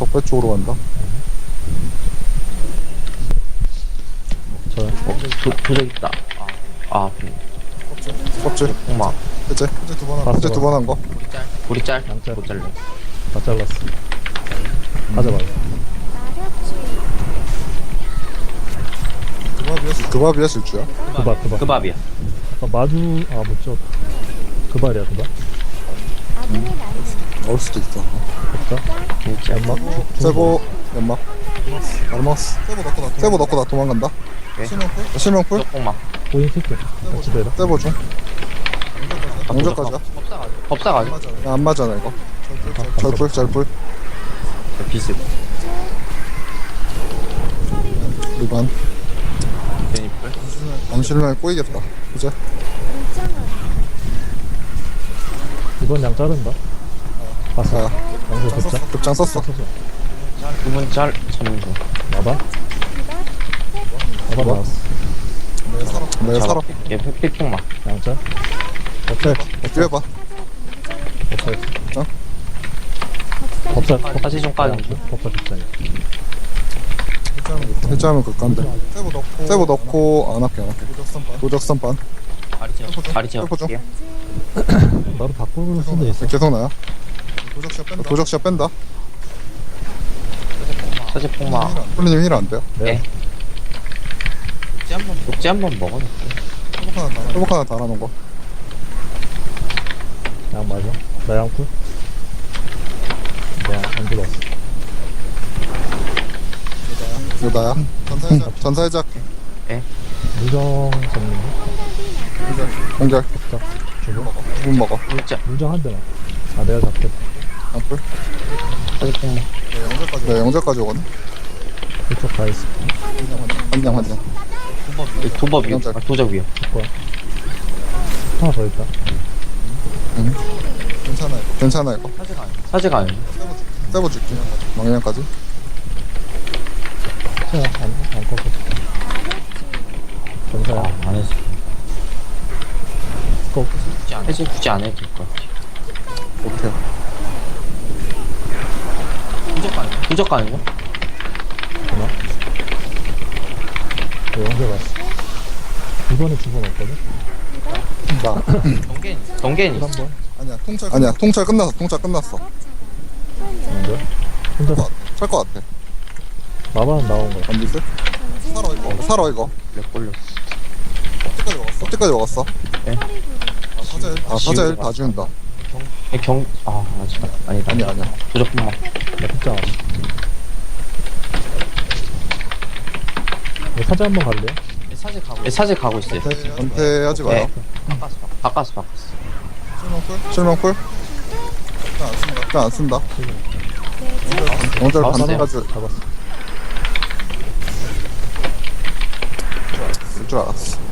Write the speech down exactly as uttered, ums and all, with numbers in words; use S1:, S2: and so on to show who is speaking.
S1: 적배 쪽으로 간다.
S2: 저
S3: 어, 도, 도적 있다. 아, 아, 그래.
S1: 껍질.
S3: 콩막.
S1: 해제. 해제 두 번 한 거. 해제 두 번 한 거.
S3: 우리 짤?
S2: 양짤.
S3: 못 잘래.
S2: 다 잘랐어. 가져가요.
S1: 그밥이야? 그밥이야 실주야?
S2: 그발 그발.
S3: 그 밥이야.
S2: 아까 마주 아 못죠. 그발이야 그발.
S1: 넣을 수도 있어.
S2: 없다.
S3: 진짜.
S2: 연막.
S1: 세보 연막. 잘 먹었어. 세보 넣고 나 세보 넣고 나 도망간다.
S3: 네.
S1: 실명풀? 실명풀?
S3: 콩막.
S2: 보인 새끼. 같이 대라.
S1: 세보 중. 영절까지야?
S3: 법사가 아직.
S1: 야, 안 맞잖아 이거. 절풀 절풀.
S3: 비스.
S1: 리반.
S3: 베니플.
S1: 암실명에 꼬이겠다. 그제?
S2: 이번 양 자른다. 봤어.
S1: 자,
S2: 양수 급자.
S1: 급장 썼어.
S2: 썼어.
S3: 두분 짤, 잡는 중.
S2: 마바. 마바 나왔어.
S1: 내가 살아.
S3: 얘 흑백 콩막.
S2: 양짤.
S1: 오케이. 뒤에 봐.
S2: 법살.
S1: 어?
S2: 법살.
S3: 사실 좀 까는 중.
S2: 법살 법살.
S1: 해제하면 극간데. 세보 넣고. 세보 넣고 안 할게 안 할게. 도적선 반.
S3: 다리 지어. 다리 지어.
S1: 해보죠.
S3: 볼게요.
S2: 나도 바꿀 수도 있어.
S1: 계속 나야. 도적시야 뺀다.
S3: 사실 콩막.
S1: 홀리님 힐 안 돼요.
S3: 네. 녹지 한번 먹어놓게.
S1: 회복 하나 달아놓은 거.
S2: 양 맞아. 나 양쿨. 내가 안 들어왔어.
S1: 이거 나야. 전사해자. 전사해자 할게.
S2: 무정 잡는 거.
S1: 공절.
S2: 자, 주고.
S1: 못 먹어.
S3: 진짜.
S2: 무정 한 대만. 아 내가 잡겠다.
S1: 양풀.
S3: 사실 콩막.
S1: 네, 영절까지 오거든.
S2: 이쪽 가 있어.
S1: 한장 한 장.
S3: 이 도법 위에.
S1: 짤.
S3: 아, 도적 위에.
S2: 거야. 하나 더 있다.
S1: 괜찮아요. 괜찮아 이거.
S3: 사제가 아니야.
S1: 세보 줄게. 망냥까지.
S2: 자, 안, 안 꺾어. 전사야.
S3: 아, 안 했어.
S2: 꺾.
S3: 해제 굳이 안 해도 될 것 같아.
S1: 오케이.
S3: 도적 가는 거?
S2: 되나? 네, 연결 왔어. 이번에 주번 없거든?
S1: 나.
S3: 경계는 있어.
S2: 한 번.
S1: 아니야 통찰. 아니야 통찰 끝났어. 통찰 끝났어.
S2: 연결. 혼자
S1: 찰것 같아.
S2: 마바는 나온 거야.
S1: 안 미스? 살아 이거. 살아 이거.
S3: 렉 걸렸어.
S1: 어디까지 먹었어? 어디까지 먹었어?
S3: 네.
S1: 아 사제. 아 사제 다 지운다.
S3: 경, 아, 아직, 아니다.
S1: 아니야 아니야.
S3: 도적 콩막.
S2: 나 진짜 왔어. 네, 사자 한번 갈래요?
S3: 사제 가고, 네, 사제 가고 있어요.
S1: 은퇴하지 마요.
S3: 네. 바꿨어, 바꿨어. 바꿨어.
S1: 실명풀? 실명풀? 일단 안 쓴다. 일단 안 쓴다. 영절
S3: 잡았어요.
S1: 반대까지
S2: 잡았어.
S1: 쓸 줄 알았어.